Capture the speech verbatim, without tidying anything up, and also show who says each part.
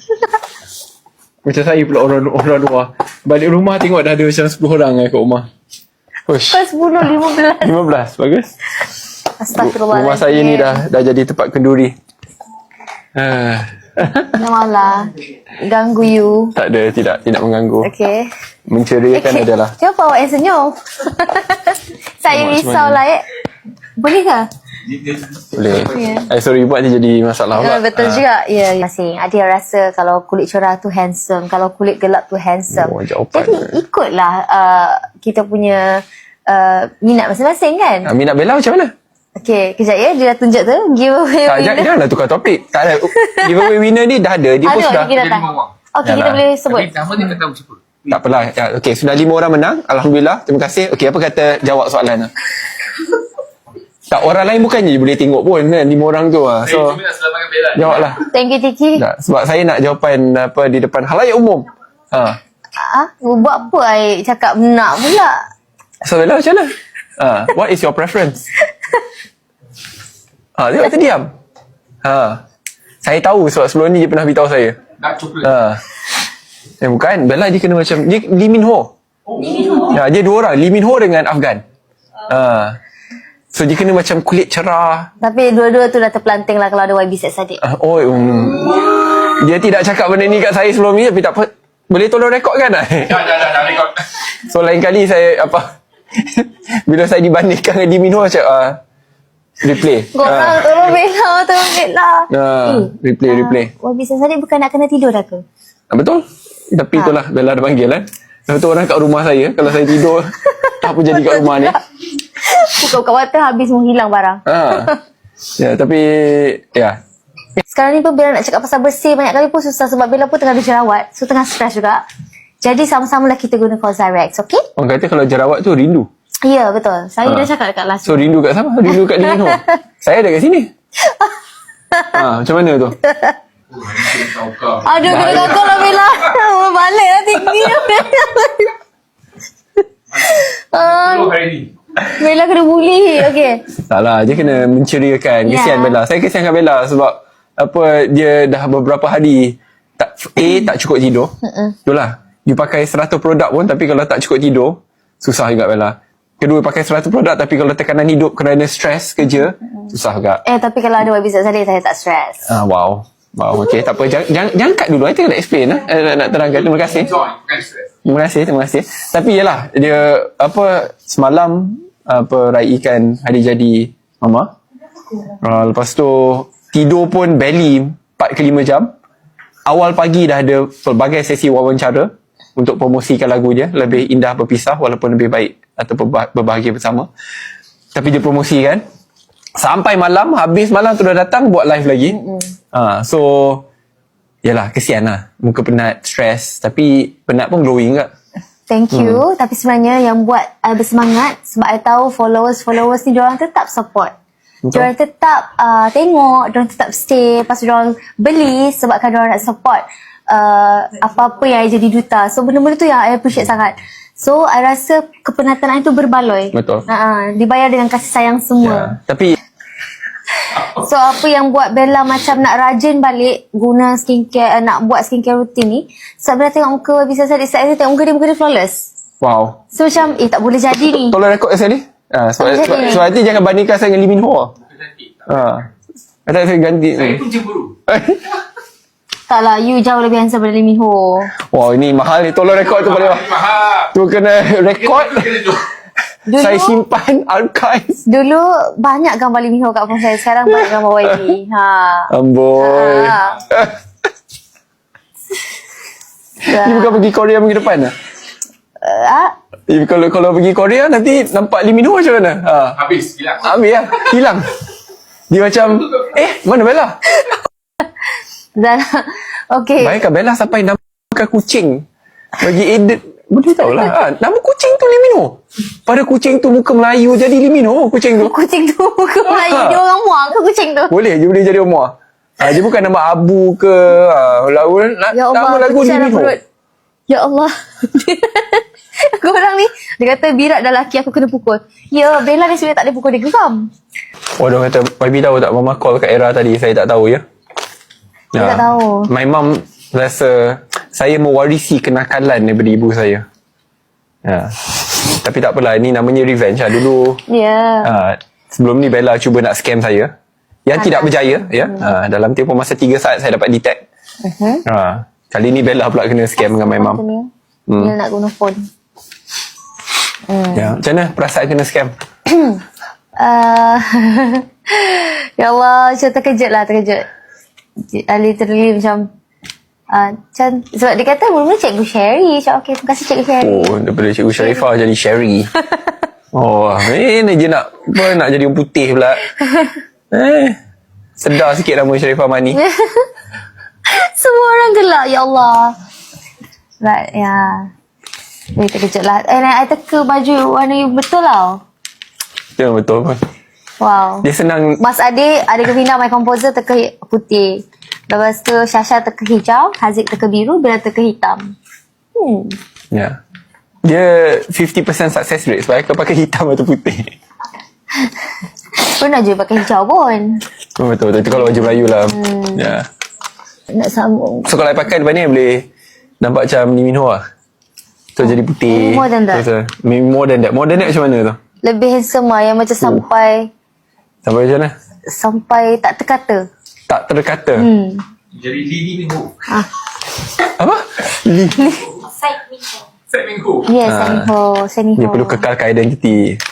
Speaker 1: Macam saya pula orang orang luar. Balik rumah tengok dah ada macam sepuluh orang kat rumah. Uish.
Speaker 2: Pas sepuluh, lima belas.
Speaker 1: lima belas, bagus.
Speaker 2: Astagfirullahaladzim.
Speaker 1: Rumah saya ni dah dah jadi tempat kenduri. Ah.
Speaker 2: Janganlah ganggu you.
Speaker 1: Tak ada, tidak tidak mengganggu.
Speaker 2: Okay.
Speaker 1: Menceriakan
Speaker 2: okay.
Speaker 1: adalah.
Speaker 2: Kenapa awak yang senyum? Saya
Speaker 1: Awak
Speaker 2: risau
Speaker 1: semuanya.
Speaker 2: lah eh. Boleh ke?
Speaker 1: Boleh.
Speaker 2: Yeah.
Speaker 1: Eh sorry buat dia jadi masalah
Speaker 2: Ya,
Speaker 1: pula.
Speaker 2: betul
Speaker 1: Ah.
Speaker 2: juga. Ya, masing. Ada yang rasa kalau kulit cerah tu handsome, kalau kulit gelap tu handsome.
Speaker 1: Oh, jawapan.
Speaker 2: Jadi ikutlah uh, kita punya uh, minat masing-masing kan?
Speaker 1: Ah, minat Bella macam mana?
Speaker 2: Okay, kejap ya. Dia dah tunjuk tu. Giveaway
Speaker 1: Tak,
Speaker 2: winner.
Speaker 1: jangan, janganlah tukar topik. Tak ada. Giveaway winner ni dah ada. Dia pun
Speaker 2: Ada,
Speaker 1: sudah.
Speaker 2: kita datang. Okay, kita
Speaker 1: Yalah.
Speaker 2: boleh sebut.
Speaker 3: Tapi nama dia tak tahu siapa.
Speaker 1: Tak apalah. Ya, okay, sudah lima orang menang. Alhamdulillah. Terima kasih. Okay, apa kata jawab soalan tu? Tak, orang lain bukannya boleh tengok pun kan. Lima orang tu lah.
Speaker 3: Saya
Speaker 1: So,
Speaker 3: cuma nak selamatkan Bella.
Speaker 1: jawablah.
Speaker 2: Thank you, Tiki.
Speaker 1: Tak, sebab saya nak jawapan apa di depan halayak umum. Ha.
Speaker 2: Ah, buat apa I cakap nak pula?
Speaker 1: So, Bella macam mana? Ha. What is your preference? Ha, tengok terdiam. Ha. Saya tahu sebab sebelum ni dia pernah beritahu saya.
Speaker 3: Dark coklat.
Speaker 1: Ha. Eh, bukan. Bella dia kena macam, dia Lee Min Ho.
Speaker 3: Lee Min Ho.
Speaker 1: Ya, dia dua orang. Lee Min Ho dengan Afgan. Ha. So, dia kena macam kulit cerah.
Speaker 2: Tapi dua-dua tu dah terpelanting lah kalau ada Y B Set Sadiq.
Speaker 1: Uh, oh, um, dia tidak cakap benda ni kat saya sebelum ni tapi tak apa. Boleh tolong rekod kan?
Speaker 3: Dah, dah, dah, dah rekod.
Speaker 1: So lain kali saya apa bila saya dibandingkan dengan Lee Min Ho macam uh, replay.
Speaker 2: Korang
Speaker 1: Ah.
Speaker 2: tolong Bella, tolong Bella.
Speaker 1: Ah,
Speaker 2: Eh,
Speaker 1: replay, replay.
Speaker 2: Y B Set Sadiq bukan nak kena tidur dah ke?
Speaker 1: Ah, betul. Tapi
Speaker 2: Ha.
Speaker 1: itulah Bella dah panggil kan. Lepas tu orang kat rumah saya kalau saya tidur apa jadi kat rumah ni.
Speaker 2: Buka-buka mata habis menghilang barang.
Speaker 1: Ha. Ya, tapi ya.
Speaker 2: Sekarang ni pun Bella nak cakap pasal bersih banyak kali pun susah sebab Bella pun tengah ada jerawat. So tengah stres juga. Jadi sama-sama lah kita guna Cosrx, okay?
Speaker 1: Orang kata kalau jerawat tu rindu.
Speaker 2: Ya, betul. Saya
Speaker 1: Ha.
Speaker 2: dah cakap dekat last
Speaker 1: So rindu kat siapa? Rindu kat Lee Min Ho. Saya ada kat sini. Ha, macam mana tu?
Speaker 2: Aduh, kena kakak lah Bella. Balik lah tinggi. Ah,
Speaker 3: Dulu hari ni.
Speaker 2: Bella kena bully. Okay.
Speaker 1: Tak lah, dia kena menceriakan. Kesian
Speaker 2: Ya.
Speaker 1: Bella. Saya kesiankan Bella sebab apa dia dah beberapa hari tak A tak cukup tidur. Itulah. You pakai seratus produk pun tapi kalau tak cukup tidur, susah juga Bella. Kedua pakai seratus produk tapi kalau tekanan hidup kerana stres kerja, susah juga.
Speaker 2: Eh, tapi kalau ada Y B Z Sadiq, saya tak stres.
Speaker 1: Ah, wow. Wow, okey. Tak apa. Jangan, jangan, jangan cut dulu. Saya nak explain. Eh. Nak, nak terangkan. Terima kasih.
Speaker 3: Enjoy, bukan stress.
Speaker 1: Terima kasih, terima kasih. Tapi yalah, dia apa semalam apa raikan hari jadi mama. Uh, lepas tu tidur pun barely empat ke lima jam. Awal pagi dah ada pelbagai sesi wawancara untuk promosikan lagu dia, lebih indah berpisah walaupun lebih baik atau berbah- berbahagia bersama. Tapi dia promosikan sampai malam, habis malam tu dah datang buat live lagi. Ah, so yalah, kesian lah. Muka penat, stres. Tapi penat pun glowing tak?
Speaker 2: Thank you. Hmm. Tapi sebenarnya yang buat I bersemangat sebab I tahu followers-followers ni diorang tetap support.
Speaker 1: Betul.
Speaker 2: Diorang tetap uh, tengok, diorang tetap stay, lepas tu diorang beli sebabkan diorang nak support uh, apa-apa yang I jadi duta. So benda-benda tu yang I appreciate sangat. So I rasa kepenatan I tu berbaloi.
Speaker 1: Betul.
Speaker 2: Uh, dibayar dengan kasih sayang
Speaker 1: Ya.
Speaker 2: semua.
Speaker 1: Tapi
Speaker 2: So apa yang buat Bella macam nak rajin balik guna skincare, uh, nak buat skincare rutin ni, sebab Bella tengok muka bisa saya saya tengok muka dia, muka dia flawless.
Speaker 1: wow.
Speaker 2: So macam eh tak boleh jadi ni.
Speaker 1: Tolong rekod sekali. Ah, sebab,
Speaker 2: Boleh
Speaker 1: sebab,
Speaker 2: jadi.
Speaker 1: sebab nanti jangan bandingkan saya dengan Lee Min Ho.
Speaker 3: Cantik.
Speaker 1: Ah. Kata saya ganti.
Speaker 3: Saya pun cemburu.
Speaker 2: Tak lah, you jauh lebih handsome daripada Lee Min Ho.
Speaker 1: Wow, ini mahal ni. Tolong rekod tu boleh.
Speaker 3: Mahal, mahal.
Speaker 1: Tu kena rekod.
Speaker 3: Kena tu.
Speaker 2: Dulu,
Speaker 1: Saya simpan archive.
Speaker 2: dulu banyak gambar Lee Min Ho kat phone saya. Sekarang banyak gambar Y B. Ha.
Speaker 1: Amboi.
Speaker 2: Ha.
Speaker 1: Ni bukan pergi Korea minggu depan lah.
Speaker 2: Uh,
Speaker 1: Eh, kalau kalau pergi Korea nanti nampak Lee Min Ho macam mana? Ha.
Speaker 3: Habis, hilang.
Speaker 1: Ambil lah. Hilang. Dia macam, eh, mana Bella?
Speaker 2: dan, okay.
Speaker 1: Bayangkan Bella sampai namakan kucing. Bagi edit. Boleh tahu lah. Ha, nama kucing tu Lee Min Ho. Pada kucing tu muka Melayu jadi Lee Min Ho kucing tu.
Speaker 2: Kucing tu muka Melayu.
Speaker 1: Ha.
Speaker 2: Dia orang muak ke kucing tu?
Speaker 1: Boleh je boleh jadi Omar. Ha, dia bukan nama Abu ke. Ha, lagu, na,
Speaker 2: Ya
Speaker 1: nama
Speaker 2: Allah,
Speaker 1: lagu Lee
Speaker 2: pecah
Speaker 1: Min
Speaker 2: dah
Speaker 1: Ho.
Speaker 2: perut. Ya Allah. Korang ni, dia kata birak dah laki aku kena pukul. Ya, Bella ni sebenarnya tak boleh pukul, dia geram.
Speaker 1: Oh, dia kata, Y B tahu tak Mama call kat era tadi. Saya tak tahu ya.
Speaker 2: Saya tak tahu.
Speaker 1: My mum rasa saya mewarisi kenakalan daripada ibu saya. Ha. Tapi tak apalah, ni namanya revenge lah. Dulu
Speaker 2: Ya.
Speaker 1: ha, sebelum ni Bella cuba nak scam saya. Yang tidak berjaya ya. Ha, dalam tempoh masa tiga saat saya dapat detect.
Speaker 2: Uh-huh.
Speaker 1: Ha, kali ni Bella pula kena scam dengan my mum.
Speaker 2: Hmm. Dia nak guna phone. Hmm.
Speaker 1: Ya, macam mana perasaan kena scam?
Speaker 2: Uh, ya Allah, macam terkejut lah, terkejut. Uh, literally macam uh, macam sebab dia kata mula-mula Cikgu Sherry. Macam okay, terima kasih Cikgu Sherry.
Speaker 1: Oh, daripada Cikgu Sharifah jadi Sherry. Oh, ini je nak apa, nak jadi orang putih pula. Eh, sedar sikit nama Sharifah Mani.
Speaker 2: Semua orang gelak, ya Allah. But ya yeah. Dia terkejut lah. And I teka baju warna you betul tau.
Speaker 1: Ya, betul pun.
Speaker 2: Wow.
Speaker 1: Dia senang.
Speaker 2: Mas Adik, Adik Kevina, my composer teka hi- putih. Lepas tu Syasha teka hijau, Haziq teka biru, Bella teka hitam. Hmm.
Speaker 1: Ya. Dia fifty percent success rate sebab kau pakai hitam atau putih.
Speaker 2: Pernah je pakai hijau pun.
Speaker 1: Oh, betul, betul. Itu kalau baju Melayu lah. Hmm. Ya.
Speaker 2: Nak sambung.
Speaker 1: So kalau I pakai depan ni boleh nampak macam Lee Min Ho lah. So jadi putih.
Speaker 2: More than that.
Speaker 1: So, so, more than that. More than that macam mana tu?
Speaker 2: Lebih handsome lah, yang macam sampai
Speaker 1: Sampai macam mana?
Speaker 2: sampai tak terkata.
Speaker 1: Tak terkata.
Speaker 2: Hmm.
Speaker 3: Jadi Lee Min Ho.
Speaker 2: Ah.
Speaker 1: Apa? Lee.
Speaker 3: Set Min Ho.
Speaker 2: Yes,
Speaker 1: Ah.
Speaker 2: Seniho, Seniho.
Speaker 1: Dia perlu kekalkan identiti.